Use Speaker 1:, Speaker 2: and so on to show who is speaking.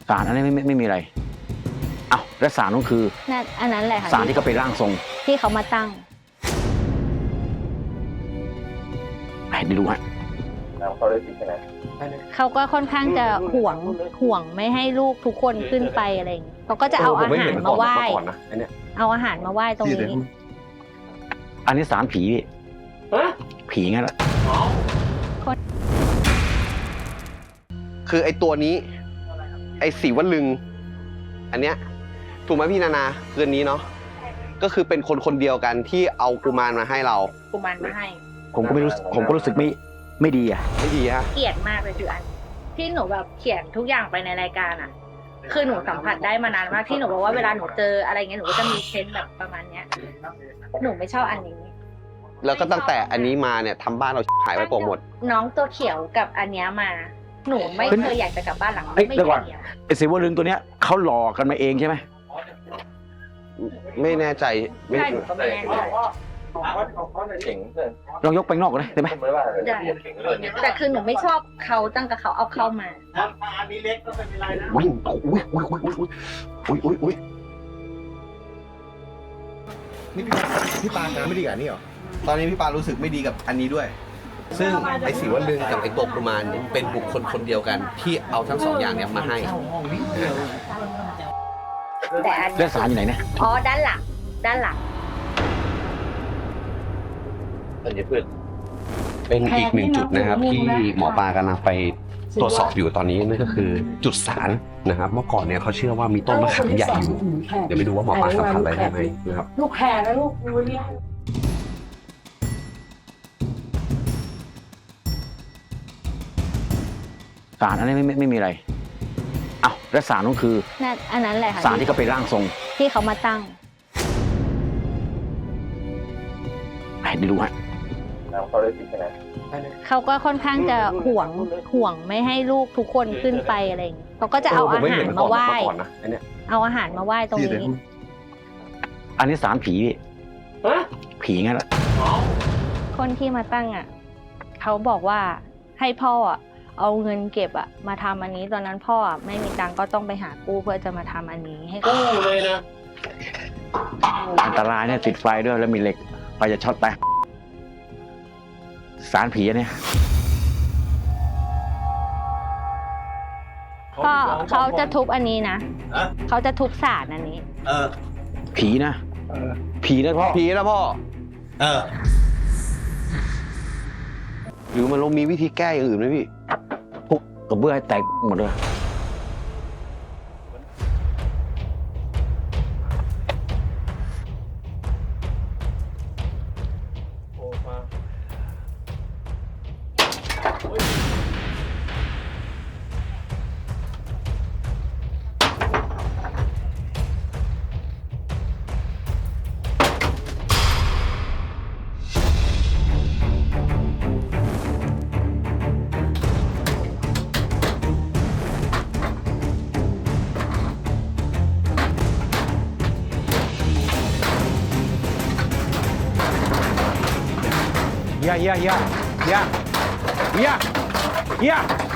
Speaker 1: ศาลอันนี้ไม่มีอะไรอ้าวและศาลนั่นคือ
Speaker 2: อันนั้นแหละค่ะ
Speaker 1: ศาลที่เขาไปร่างทรง
Speaker 2: ที่เขามาตั้ง
Speaker 1: ไม่รู้ฮะ
Speaker 3: เขาได้ติดใช่ไหม
Speaker 2: เขาก็ค่อนข้างจะห่วงไม่ให้ลูกทุกคนขึ้นไปอะไรอย่างเงี้ยเขาก็จะเอาอาหารมาไหว้เอาอาหารมาไหว้ตรงนี้
Speaker 1: อันนี้ศาลผีผีงั้นแหละ
Speaker 4: คือไอ้ตัวนี้ไอ้สีวลึงอันเนี้ยถูกไหมพี่นานาคืนนี้เนาะก็คือเป็นคนเดียวกันที่เอากุมารมาให้เรา
Speaker 2: กุมารมาให้
Speaker 1: ผมก็รู้สึกไม่ดีอะ
Speaker 4: ไม่ดีฮะ
Speaker 2: เกลียดมากเลยคืออันที่หนูแบบเขียนทุกอย่างไปในรายการอ่ะคือหนูสัมผัสได้มานานมากที่หนูบอกว่าเวลาหนูเจออะไรเงี้ยหนูก็จะมีเซนส์แบบประมาณเนี้ยหนูไม่ชอบอันนี้
Speaker 4: แล้วก็ตั้งแต่อันนี้มาเนี่ยทำบ้านเราหายไปหมด
Speaker 2: น้องตัวเขียวกับอันเนี้ยมาหนูไม่เคยอยากจะกลับบ้านหลังไม่
Speaker 1: เดี๋ยวก่อนไอ้สีวลึงตัวเนี้ยเขาหลอกกันมาเองใช่ไหม
Speaker 4: ไม่แน่ใจ
Speaker 2: ใช่หนูก็ไม่แน่ใจ
Speaker 1: ลองยกไปนอกได้ไหม
Speaker 2: แต่คือหนูไม่ชอบเขาตั้งแต่เขาเอาเข้ามา
Speaker 3: อันนี้เล็กก็ไม่เป็นไรนะ
Speaker 4: อุ้ย
Speaker 3: นี่พี่ปานไม่ดีกับนี่หรอ
Speaker 4: ตอนนี้พี่ปารู้สึกไม่ดีกับอันนี้ด้วยซึ่งไอ้สีวลึงกับไอ้ตัวกุมารเป็นบุคคลคนเดียวกันที่เอาทั้งสองอย่างเนี่ยมาให้
Speaker 2: แต่อัน
Speaker 1: เรื่องศาลอยู่ไหนเนี่ย
Speaker 2: อ๋อด้านหลัง
Speaker 4: อันนี้เพื่อนเป็นอีกหนึ่งจุดนะครับที่หมอปลากำลังไปตรวจสอบอยู่ตอนนี้นั่นก็คือจุดศาลนะครับเมื่อก่อนเนี่ยเขาเชื่อว่ามีต้นมะขามใหญ่อยู่เดี๋ยวไปดูว่าหมอปลาสัมผัสอะไรได้ไหมนะครับ
Speaker 5: ลูกแห่นะลูกดูเนี่ย
Speaker 1: ศาลอันนี้ไม่มีอะไรอ้าวและศาลนั่นคือ
Speaker 2: อันนั้นแหละค่ะ
Speaker 1: ศาลที่เขาไปร่างทรง
Speaker 2: ที่เขามาตั้ง
Speaker 1: ไม่รู้ฮะ
Speaker 3: เขาได้ติดใช่ไหม
Speaker 2: เขาก็ค่อนข้างจะห่วงไม่ให้ลูกทุกคนขึ้นไปอะไรอย่างเงี้ยเขาก็จะเอาอาหารมาไหว้เอาอาหารมาไหว้ตรงนี้
Speaker 1: อันนี้ศาลผีผีงั้นแหละ
Speaker 2: คนที่มาตั้งอ่ะเขาบอกว่าให้พ่อเอาเงินเก็บมาทำอันนี้ตอนนั้นพ่อไม่มีตังก็ต้องไปหากู้เพื่อจะมาทำอันนี้ให้
Speaker 3: กู้เลยนะ
Speaker 1: อันตรายเนี่ยติดไฟด้วยแล้วมีเหล็กไฟจะช็อตไปศาลผีเนี่ย
Speaker 2: พ่อเขาจะทุบอันนี้นะเขาจะทุบศาลอันนี้
Speaker 1: ผีนะผีนะพ่อ
Speaker 4: หรือมันมีวิธีแก้อย่างอื่นไหมพี่
Speaker 1: ทุบกระเบื้องให้แตกหมดเลยYeah.